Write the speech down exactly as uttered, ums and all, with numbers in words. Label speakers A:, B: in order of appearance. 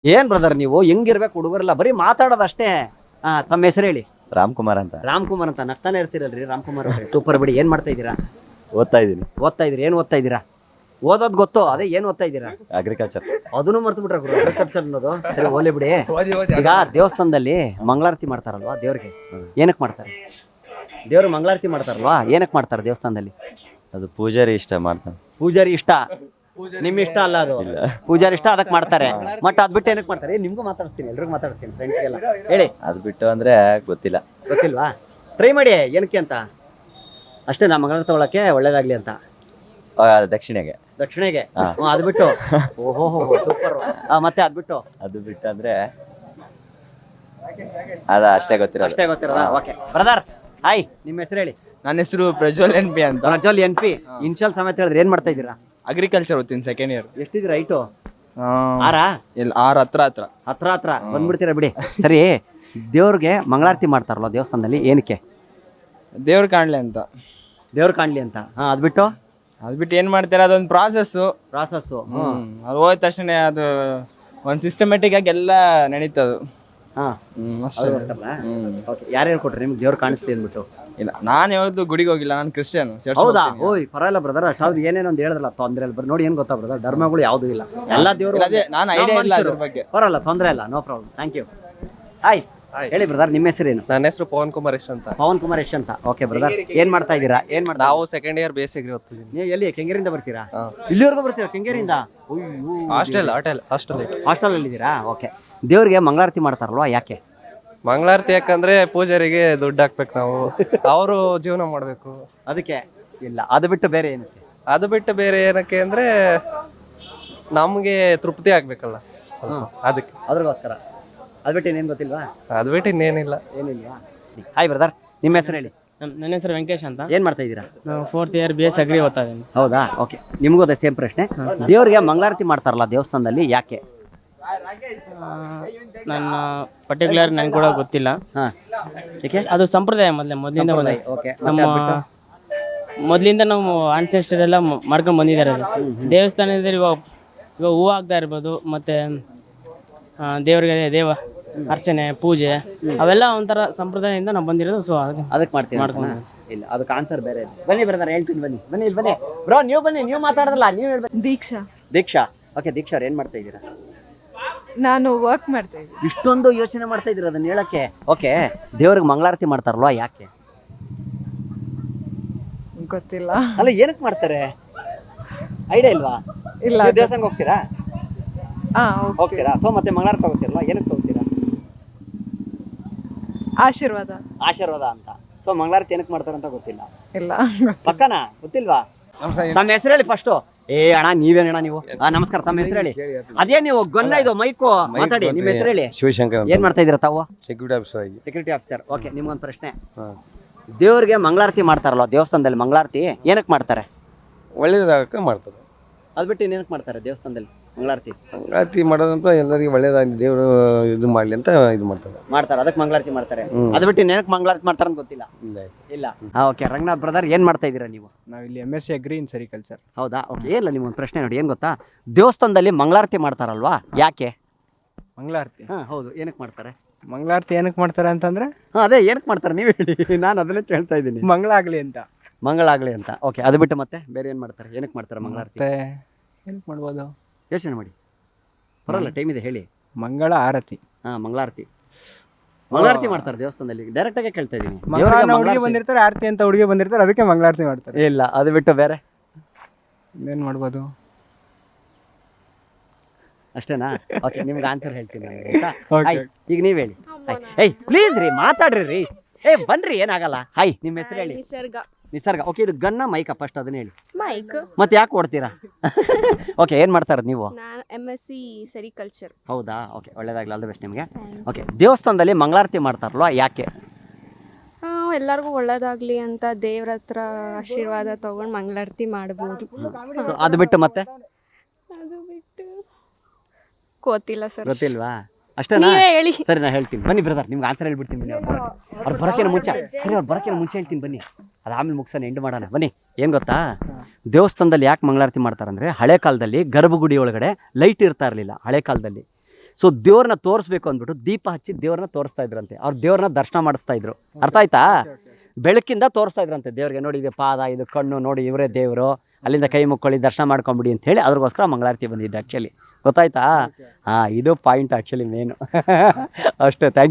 A: ಏನ್ ಬ್ರದರ್ ನೀವು ಹೆಂಗಿರ್ಬೇಕು ಹುಡುಗರೆಲ್ಲ ಬರೀ ಮಾತಾಡೋದಷ್ಟೇ. ಹಾ, ತಮ್ಮ ಹೆಸರು ಹೇಳಿ.
B: ರಾಮ್ಕುಮಾರ್ ಅಂತ.
A: ರಾಮ್ಕುಮಾರ್ ಅಂತ ನಗ್ತಾನೆ ಇರ್ತೀರಲ್ರಿ ರಾಮ್ಕುಮಾರ್ ಅವ್ರೆ. ಸೂಪರ್ ಬಿಡಿ. ಏನ್ ಮಾಡ್ತಾ ಇದ್ದೀರಾ?
B: ಓದ್ತಾ ಇದ್ದೀನಿ.
A: ಓದ್ತಾ ಇದ್ರಿ? ಏನ್ ಓದ್ತಾ ಇದ್ದೀರಾ? ಓದೋದ್ ಗೊತ್ತು, ಅದೇ ಏನ್ ಓದ್ತಾ ಇದ್ದೀರಾ?
B: ಅಗ್ರಿಕಲ್ಚರ್.
A: ಅದನ್ನು ಮರ್ತು ಬಿಟ್ರೆ ಅಗ್ರಿಕಲ್ಚರ್ ಅನ್ನೋದು. ಸರಿ, ಹೋಗ್ಲಿ ಬಿಡಿ. ಈಗ ದೇವಸ್ಥಾನದಲ್ಲಿ ಮಂಗಳಾರತಿ ಮಾಡ್ತಾರಲ್ವಾ ದೇವ್ರಿಗೆ, ಏನಕ್ಕೆ ಮಾಡ್ತಾರೆ? ದೇವ್ರು ಮಂಗಳಾರತಿ ಮಾಡ್ತಾರಲ್ವಾ, ಏನಕ್ಕೆ ಮಾಡ್ತಾರೆ ದೇವಸ್ಥಾನದಲ್ಲಿ?
B: ಅದು ಪೂಜಾರಿ ಇಷ್ಟ ಮಾಡ್ತಾನೆ.
A: ಪೂಜಾರಿ ಇಷ್ಟ, ನಿಮ್ ಇಷ್ಟ ಅಲ್ಲ ಅದು. ಪೂಜಾರಿ ಇಷ್ಟ, ಅದಕ್ಕೆ ಮಾಡ್ತಾರೆ. ಮಟ್ ಅದ್ ಬಿಟ್ಟು ಏನಕ್ಕೆ ಮಾಡ್ತಾರೆ? ನಿಮ್ಗೂ ಮಾತಾಡ್ತೀನಿ, ಎಲ್ರಿಗೂ ಮಾತಾಡ್ತೀನಿ, ಫ್ರೆಂಡ್ಸ್ಗೆಲ್ಲ ಹೇಳಿ.
B: ಅದು ಬಿಟ್ಟು ಅಂದ್ರೆ ಗೊತ್ತಿಲ್ಲ.
A: ಗೊತ್ತಿಲ್ವಾ? ಟ್ರೈ ಮಾಡಿ. ಏನಕ್ಕೆ ಅಂತ ಅಷ್ಟೇ, ನಾ ಮಂಗಳಾರತಿ ತಗೊಳಕ್ಕೆ ಒಳ್ಳೇದಾಗ್ಲಿ ಅಂತ.
B: ದಕ್ಷಿಣೆಗೆ.
A: ದಕ್ಷಿಣೆಗೆ. ಅದು ಬಿಟ್ಟು ಓಹೋ ಸೂಪರ್. ಮತ್ತೆ ಅದ್ ಬಿಟ್ಟು
B: ಅದು ಬಿಟ್ಟು ಅಂದ್ರೆ ಅದ ಅಷ್ಟೇ ಗೊತ್ತಿರೋದು.
A: ಅಷ್ಟೇ ಗೊತ್ತಿರೋದಾ? ಓಕೆ ಬ್ರದರ್, ಹಾಯ್, ನಿಮ್ಮ ಹೆಸರು ಹೇಳಿ.
C: ನನ್ನ ಹೆಸರು ಪ್ರಜ್ವಲ್ ಎನ್ ಪಿ ಅಂತ.
A: Prajwal N P. ಇನ್ಶಿಯಲ್ ಸಮೇತ ಹೇಳಿದ್ರೆ ಏನ್ ಮಾಡ್ತಾ ಇದ್ದೀರಾ?
C: ಅಗ್ರಿಕಲ್ಚರ್ ಓದ್ತೀನಿ, ಸೆಕೆಂಡ್ ಇಯರ್.
A: ಎಷ್ಟಿದ್ದೀರಾ ಹೈಟು? ಆರಾ?
C: ಇಲ್ಲ, ಆರು ಹತ್ರ ಹತ್ರ
A: ಹತ್ರ ಹತ್ರ ಬಂದ್ಬಿಡ್ತೀರಾ ಬಿಡಿ. ಸರಿ, ದೇವ್ರಿಗೆ ಮಂಗಳಾರತಿ ಮಾಡ್ತಾರಲ್ಲ ದೇವಸ್ಥಾನದಲ್ಲಿ, ಏನಕ್ಕೆ?
C: ದೇವ್ರು ಕಾಣ್ಲಿ ಅಂತ.
A: ದೇವ್ರು ಕಾಣ್ಲಿ ಅಂತ. ಹಾ, ಅದ್ ಬಿಟ್ಟು
C: ಅದ್ ಬಿಟ್ಟು ಏನ್ ಮಾಡ್ತಾರೆ, ಅದೊಂದು ಪ್ರಾಸೆಸ್ಸು.
A: ಪ್ರಾಸೆಸ್ಸು.
C: ಅದು ಹೋದ ತಕ್ಷಣ ಅದು ಒಂದು ಸಿಸ್ಟಮೆಟಿಕ್ ಆಗಿ ಎಲ್ಲ ನಡೀತದು.
A: ಹಾ, ಯಾರ್ಯಾರು ಕೊಟ್ರಿ ನಿಮ್ಗೆ ದೇವ್ರು ಕಾಣಿಸ್ತಿ ಅಂದ್ಬಿಟ್ಟು?
C: ಇಲ್ಲ, ನಾನು ಯಾವ್ದು ಗುಡಿಗೆ ಹೋಗಿಲ್ಲ, ನಾನು ಕ್ರಿಶ್ಚಿಯನ್.
A: ಹೌದಾ? ಓಯ್ ಪರವಾಗಿಲ್ಲ ಬ್ರದರ್. ಅಷ್ಟಾದ್ರು ಏನೇನೋ ಒಂದು ಹೇಳಿದ್ರಲ್ಲ ತೊಂದ್ರೆ ಇಲ್ಲ. ಬರ್ ನೋಡಿ, ಏನ್ ಗೊತ್ತಾ ಬ್ರದರ್, ಧರ್ಮಗಳು ಯಾವ್ದು ಇಲ್ಲ, ಎಲ್ಲ ದೇವ್ರು.
C: ಅದೇ ನಾನು ಐಡಿಯಾ ಇಲ್ಲ ಅದ್ರ ಬಗ್ಗೆ.
A: ಪರವಾಗಿಲ್ಲ, ತೊಂದ್ರೆ ಇಲ್ಲ, no problem. Thank you. Hi, ಹೇಳಿ ಬ್ರದರ್, ನಿಮ್ಮ ಹೆಸರೇನು?
D: ನನ್ನ ಹೆಸರು ಪವನ್ ಕುಮಾರ್ ಯಶ್ ಅಂತ.
A: ಪವನ್ ಕುಮಾರ್ ಯಶ್ ಅಂತ. ಓಕೆ ಬ್ರದರ್, ಏನ್ ಮಾಡ್ತಾ ಇದ್ದೀರಾ? ಏನ್ ಮಾಡ್ತಾ?
D: ನಾವು ಸೆಕೆಂಡ್ ಇಯರ್ ಬೇಸಿಗೆ ಓದ್ತಿದ್ದೀನಿ.
A: ನೀವು ಎಲ್ಲಿ ಕೆಂಗೇರಿಯಿಂದ ಬರ್ತೀರಾ? ಇಲ್ಲಿವರೆಗೂ ಬರ್ತೀರಾ ಕೆಂಗೇರಿಯಿಂದ?
D: ಹಾಸ್ಟೆಲ್ ಹಾಟೆಲ್ ಹಾಸ್ಟೆಲ್
A: ಹಾಸ್ಟೆಲ್ ಅಲ್ಲಿ ಇದ್ದೀರಾ? ಓಕೆ. ದೇವ್ರಿಗೆ ಮಂಗಳಾರತಿ ಮಾಡ್ತಾರಲ್ವಾ, ಯಾಕೆ?
D: ಮಂಗಳಾರತಿ ಯಾಕಂದ್ರೆ ಪೂಜಾರಿಗೆ ದುಡ್ಡು ಹಾಕ್ಬೇಕು ನಾವು, ಅವರು ಜೀವನ ಮಾಡಬೇಕು,
A: ಅದಕ್ಕೆ. ಇಲ್ಲ, ಅದು ಬಿಟ್ಟು ಬೇರೆ ಏನಕ್ಕೆ?
D: ಅದು ಬಿಟ್ಟು ಬೇರೆ ಏನಕ್ಕೆ ಅಂದ್ರೆ ನಮ್ಗೆ ತೃಪ್ತಿ ಆಗ್ಬೇಕಲ್ಲ, ಅದಕ್ಕೆ.
A: ಅದ್ರಗೋಸ್ಕರ. ಅದು ಬಿಟ್ಟು ಇನ್ನೇನು ಗೊತ್ತಿಲ್ವಾ?
D: ಅದು ಬಿಟ್ಟು ಇನ್ನೇನಿಲ್ಲ.
A: ಏನಿಲ್ವಾ? ಹಾಯ್ ಬ್ರದರ್, ನಿಮ್ಮ ಹೆಸರು ಹೇಳಿ.
E: ನನ್ನ ಹೆಸರು ವೆಂಕಟೇಶ್ ಅಂತ.
A: ಏನ್ ಮಾಡ್ತಾ ಇದ್ದೀರಾ?
E: ನಾವು fourth year B S agri ಓದ್ತಾ ಇದ್ದೀನಿ.
A: ಹೌದಾ? ಓಕೆ. ನಿಮಗೂ ಅದೇ ಸೇಮ್ ಪ್ರಶ್ನೆ. ದೇವ್ರಿಗೆ ಮಂಗಳಾರತಿ ಮಾಡ್ತಾರಲ್ಲ ದೇವಸ್ಥಾನದಲ್ಲಿ, ಯಾಕೆ?
E: ನನ್ನ ಪರ್ಟಿಕ್ಯುಲರ್ ನನ್ಗೆ ಕೂಡ ಗೊತ್ತಿಲ್ಲ.
A: ಹಾ, ಏಕೆ?
E: ಅದು ಸಂಪ್ರದಾಯ ಮೊದಲೇ ಮೊದಲಿಂದ ಬಂದ.
A: ಓಕೆ.
E: ನಮ್ಮ ಮೊದಲಿಂದ ನಾವು ಆನ್ಸೆಸ್ಟರ್ ಎಲ್ಲ ಮಾಡ್ಕೊಂಡು ಬಂದಿದ್ದಾರೆ. ಅದು ದೇವಸ್ಥಾನದಲ್ಲಿ ಇವಾಗ ಇವಾಗ ಹೂವು ಹಾಕ್ತಾ ಇರ್ಬೋದು, ಮತ್ತೆ ದೇವರಿಗೆ ದೇವ ಅರ್ಚನೆ ಪೂಜೆ ಅವೆಲ್ಲ ಒಂಥರ ಸಂಪ್ರದಾಯದಿಂದ ನಾವು ಬಂದಿರೋದು. ಸೊ
A: ಅದಕ್ಕೆ ಮಾಡ್ತೀವಿ.
E: ಮಾಡ್ಕೊಂಡು
A: ಇಲ್ಲ, ಅದಕ್ಕೆ ಆನ್ಸರ್ ಬೇರೆ. ಬನ್ನಿ ಬ್ರದರ್, ಹೇಳ್ತೀನಿ. ಬನ್ನಿ ಬನ್ನಿ ಇಲ್ಲಿ ಬನ್ನಿ ಬ್ರೋ, ನೀವು ಬನ್ನಿ. ನೀವು ಮಾತಾಡಿದ್ರಲ್ಲ, ನೀವು ಹೇಳ್ಬೇಕು.
F: ದೀಕ್ಷಾ.
A: ದೀಕ್ಷಾ. ಓಕೆ, ದೀಕ್ಷಾ ಅವ್ರು ಏನ್ ಮಾಡ್ತಾ ಇದ್ದೀರಾ?
F: ನಾನು ವರ್ಕ್ ಮಾಡ್ತಾ ಇದ್ದೀನಿ.
A: ಇಷ್ಟೊಂದು ಯೋಚನೆ ಮಾಡ್ತಾ ಇದ್ದೀರಾ ಅದನ್ನ ಹೇಳಕ್ಕೆ? ಓಕೆ. ದೇವ್ರಿಗೆ ಮಂಗಳಾರತಿ ಮಾಡ್ತಾರಲ್ವಾ, ಯಾಕೆ?
F: ಗೊತ್ತಿಲ್ಲ.
A: ಅಲ್ಲ, ಏನಕ್ಕೆ ಮಾಡ್ತಾರೆ? ಐಡಿಯಾ ಇಲ್ವಾ?
F: ಇಲ್ಲ.
A: ನೀವು ದೇವಸ್ಥಾನಕ್ಕೆ ಹೋಗ್ತೀರಾ?
F: ಹಾ,
A: ಹೋಗ್ತೀರಾ? ಸೊ ಮತ್ತೆ ಮಂಗಳಾರತಿ ಹೋಗ್ತೀರಲ್ವಾ, ಏನಕ್ಕೆ ಹೋಗ್ತೀರಾ?
F: ಆಶೀರ್ವಾದ.
A: ಆಶೀರ್ವಾದ ಅಂತ. ಸೊ ಮಂಗಳಾರತಿ ಏನಕ್ಕೆ ಮಾಡ್ತಾರೆ ಅಂತ ಗೊತ್ತಿಲ್ಲ?
F: ಇಲ್ಲ.
A: ಪಕ್ಕನಾ ಗೊತ್ತಿಲ್ವಾ? ತಮ್ಮ ಹೆಸರು ಹೇಳಿ ಫಸ್ಟು. ಏ ಅಣ್ಣ, ನೀವೇನಣ್ಣ ನೀವು? ಹಾ, ನಮಸ್ಕಾರ. ತಮ್ಮ ಹೆಸರು ಹೇಳಿ. ಅದೇ ನೀವು ಗೊನ್ನ ಇದು ಮೈಕು ಮಾತಾಡಿ. ನಿಮ್ಮ ಹೆಸರು ಹೇಳಿ.
D: ಶಿವಶಂಕರ್.
A: ಏನ್ ಮಾಡ್ತಾ ಇದೀರಾ ತಾವು?
D: ಸೆಕ್ಯೂರಿಟಿ ಆಫೀಸರ್ ಆಗಿ.
A: Security officer. ಓಕೆ. ನಿಮ್ಗೊಂದು ಪ್ರಶ್ನೆ. ದೇವ್ರಿಗೆ ಮಂಗಳಾರತಿ ಮಾಡ್ತಾರಲ್ವ ದೇವಸ್ಥಾನದಲ್ಲಿ, ಮಂಗಳಾರತಿ ಏನಕ್ಕೆ ಮಾಡ್ತಾರೆ?
D: ಒಳ್ಳೇದಾಗಕ್ಕೆ ಮಾಡ್ತಾರೆ.
A: ಅದ್ ಬಿಟ್ಟು ಏನಕ್ಕೆ ಮಾಡ್ತಾರೆ ದೇವಸ್ಥಾನದಲ್ಲಿ ಮಂಗಳಾರತಿ?
D: ಮಂಗಳಾರತಿ ಮಾಡೋದಂತ ಎಲ್ಲರಿಗೂ ಒಳ್ಳೇದಾಗಲಿ, ದೇವರು ಇದು ಮಾಡ್ಲಿ ಅಂತ ಇದು ಮಾಡ್ತಾರೆ.
A: ಮಾಡ್ತಾರೆ, ಅದಕ್ಕೆ ಮಂಗಳಾರತಿ ಮಾಡ್ತಾರೆ. ಅದ್ ಬಿಟ್ಟು ಏನಕ್ಕೆ ಮಂಗಳಾರತಿ ಮಾಡ್ತಾರೆ ಅಂತ ಗೊತ್ತಿಲ್ಲ. ಇಲ್ಲ. ಓಕೆ. ರಂಗನಾಥ್ ಬ್ರದರ್, ಏನ್ ಮಾಡ್ತಾ ಇದ್ದೀರಾ ನೀವು?
C: ನಾವು ಇಲ್ಲಿ M S C agri in sericulture.
A: ಹೌದಾ? ಓಕೆ. ಇಲ್ಲ, ನಿಮ್ಗೊಂದು ಪ್ರಶ್ನೆ ನೋಡಿ. ಏನ್ ಗೊತ್ತಾ, ದೇವಸ್ಥಾನದಲ್ಲಿ ಮಂಗಳಾರತಿ ಮಾಡ್ತಾರಲ್ವಾ, ಯಾಕೆ?
C: ಮಂಗಳಾರತಿ.
A: ಹಾ, ಹೌದು. ಏನಕ್ಕೆ ಮಾಡ್ತಾರೆ?
C: ಮಂಗಳಾರತಿ ಏನಕ್ಕೆ ಮಾಡ್ತಾರೆ ಅಂತಂದ್ರೆ,
A: ಹಾ, ಅದೇ ಏನಕ್ಕೆ ಮಾಡ್ತಾರೆ ನೀವು ಹೇಳಿ. ನಾನು ಅದನ್ನೇ ಹೇಳ್ತಾ ಇದ್ದೀನಿ.
C: ಮಂಗಳ ಆಗ್ಲಿ ಅಂತ.
A: ಮಂಗಳಾಗ್ಲಿ ಅಂತ. ಓಕೆ. ಅದು ಬಿಟ್ಟು ಮತ್ತೆ ಬೇರೆ ಏನ್ ಮಾಡ್ತಾರೆ? ಏನಕ್ಕೆ ಮಾಡ್ತಾರೆ ಮಂಗಳಾರತಿ?
C: ಏನಕ್ಕೆ ಮಾಡ್ಬೋದು?
A: ಯೋಚನೆ ಮಾಡಿ, ಬರಲ್ಲ, ಟೈಮ್ ಇದೆ, ಹೇಳಿ.
C: ಮಂಗಳ ಆರತಿ.
A: ಹಾ, ಮಂಗಳಾರತಿ. ಮಂಗಳಾರತಿ ಮಾಡ್ತಾರೆ ದೇವಸ್ಥಾನದಲ್ಲಿ. ಡೈರೆಕ್ಟ್ ಆಗಿ ಕೇಳ್ತಾ ಇದೀನಿ.
C: ಹುಡುಗಿ ಬಂದಿರ್ತಾರೆ, ಆರತಿ ಅಂತ ಹುಡುಗಿ ಬಂದಿರ್ತಾರೆ, ಅದಕ್ಕೆ ಮಂಗಳಾರತಿ ಮಾಡ್ತಾರೆ.
A: ಇಲ್ಲ, ಅದು ಬಿಟ್ಟು ಬೇರೆ
C: ಏನ್ ಮಾಡ್ಬೋದು?
A: ಅಷ್ಟೇನಾ? ಓಕೆ. ನಿಮ್ಗೆ ಆನ್ಸರ್ ಹೇಳ್ತೀನಿ ನಾನು. ಈಗ ನೀವ್ ಹೇಳಿ. ಏಯ್ ಪ್ಲೀಸ್ ರೀ, ಮಾತಾಡ್ರಿ ರೀ. ಏ ಬನ್ರಿ, ಏನಾಗಲ್ಲ. ಹಾಯ್, ನಿಮ್ಮ ಹೆಸರು ಹೇಳಿ.
F: ನಿಸರ್ಗ.
A: ನಿಸರ್ಗ. ಓಕೆ. ಇದು ಗನ್ನ ಮೈಕ ಫಸ್ಟ್ ಅದನ್ನ ಹೇಳಿ.
F: ಮೈಕ್.
A: ಮತ್ತೆ ಯಾಕೆ ಓಡ್ತೀರಾ? ಓಕೆ. ಏನ್ ಮಾಡ್ತಾರ ನೀವು?
F: ನಾನು ಎಮ್ ಎಸ್ ಸಿ ಸೆರಿಕಲ್ಚರ್.
A: ಹೌದಾ? ಓಕೆ. ಒಳ್ಳೇದಾಗ್ಲಿ, ಆಲ್ ದಿ ಬೆಸ್ಟ್ ನಿಮಗೆ. ಓಕೆ. ದೇವಸ್ಥಾನದಲ್ಲಿ ಮಂಗಳಾರತಿ ಮಾಡ್ತಾರಲ್ವಾ, ಯಾಕೆ?
F: ಎಲ್ಲರಿಗೂ ಒಳ್ಳೇದಾಗ್ಲಿ ಅಂತ ದೇವ್ರ ಹತ್ರ ಆಶೀರ್ವಾದ ತಗೊಂಡು ಮಂಗಳಾರತಿ ಮಾಡ್ಬೋದು.
A: ಅದು ಬಿಟ್ಟು ಮತ್ತೆ?
F: ಅದು ಬಿಟ್ಟು ಗೊತ್ತಿಲ್ಲ ಸರ್.
A: ಗೊತ್ತಿಲ್ವಾ? ಅಷ್ಟೇನಾ?
F: ಹೇಳಿ.
A: ಸರಿ, ನಾ ಹೇಳ್ತೀನಿ. ಬನ್ನಿ ಬ್ರದರ್, ನಿಮ್ಗೆ ಆನ್ಸರ್ ಹೇಳ್ಬಿಡ್ತೀನಿ. ಬನ್ನಿ, ಅವ್ರು ಬರೋಕಿನ ಮುಂಚೆ ಸರಿ ಅವ್ರು ಬರೋಕಿನ ಮುಂಚೆ ಹೇಳ್ತೀನಿ. ಬನ್ನಿ, ಅದು ಆಮೇಲೆ ಮುಗಿಸೋಣ, ಎಂಡ್ ಮಾಡೋಣ. ಬನ್ನಿ. ಏನು ಗೊತ್ತಾ, ದೇವಸ್ಥಾನದಲ್ಲಿ ಯಾಕೆ ಮಂಗಳಾರತಿ ಮಾಡ್ತಾರಂದರೆ, ಹಳೆ ಕಾಲದಲ್ಲಿ ಗರ್ಭಗುಡಿ ಒಳಗಡೆ ಲೈಟ್ ಇರ್ತಾ ಇರಲಿಲ್ಲ ಹಳೆ ಕಾಲದಲ್ಲಿ. ಸೊ ದೇವ್ರನ್ನ ತೋರಿಸ್ಬೇಕು ಅಂದ್ಬಿಟ್ಟು ದೀಪ ಹಚ್ಚಿ ದೇವ್ರನ್ನ ತೋರಿಸ್ತಾ ಇದ್ರಂತೆ. ಅವ್ರು ದೇವ್ರನ್ನ ದರ್ಶನ ಮಾಡಿಸ್ತಾ ಇದ್ರು. ಅರ್ಥ ಆಯ್ತಾ? ಬೆಳಕಿಂದ ತೋರಿಸ್ತಾ ಇದ್ರಂತೆ ದೇವ್ರಿಗೆ. ನೋಡಿ ಇದು ಪಾದ, ಇದು ಕಣ್ಣು, ನೋಡಿ ಇವರೇ ದೇವರು, ಅಲ್ಲಿಂದ ಕೈ ಮುಕ್ಕೊಳ್ಳಿ, ದರ್ಶನ ಮಾಡ್ಕೊಂಬಿಡಿ ಅಂತ ಹೇಳಿ ಅದ್ರಗೋಸ್ಕರ ಮಂಗಳಾರತಿ ಬಂದಿದ್ದು ಆ್ಯಕ್ಚುಲಿ. ಗೊತ್ತಾಯ್ತಾ? ಹಾಂ, ಇದು ಪಾಯಿಂಟ್ ಆ್ಯಕ್ಚುಲಿ ಮೇನು. ಅಷ್ಟೇ. ಥ್ಯಾಂಕ್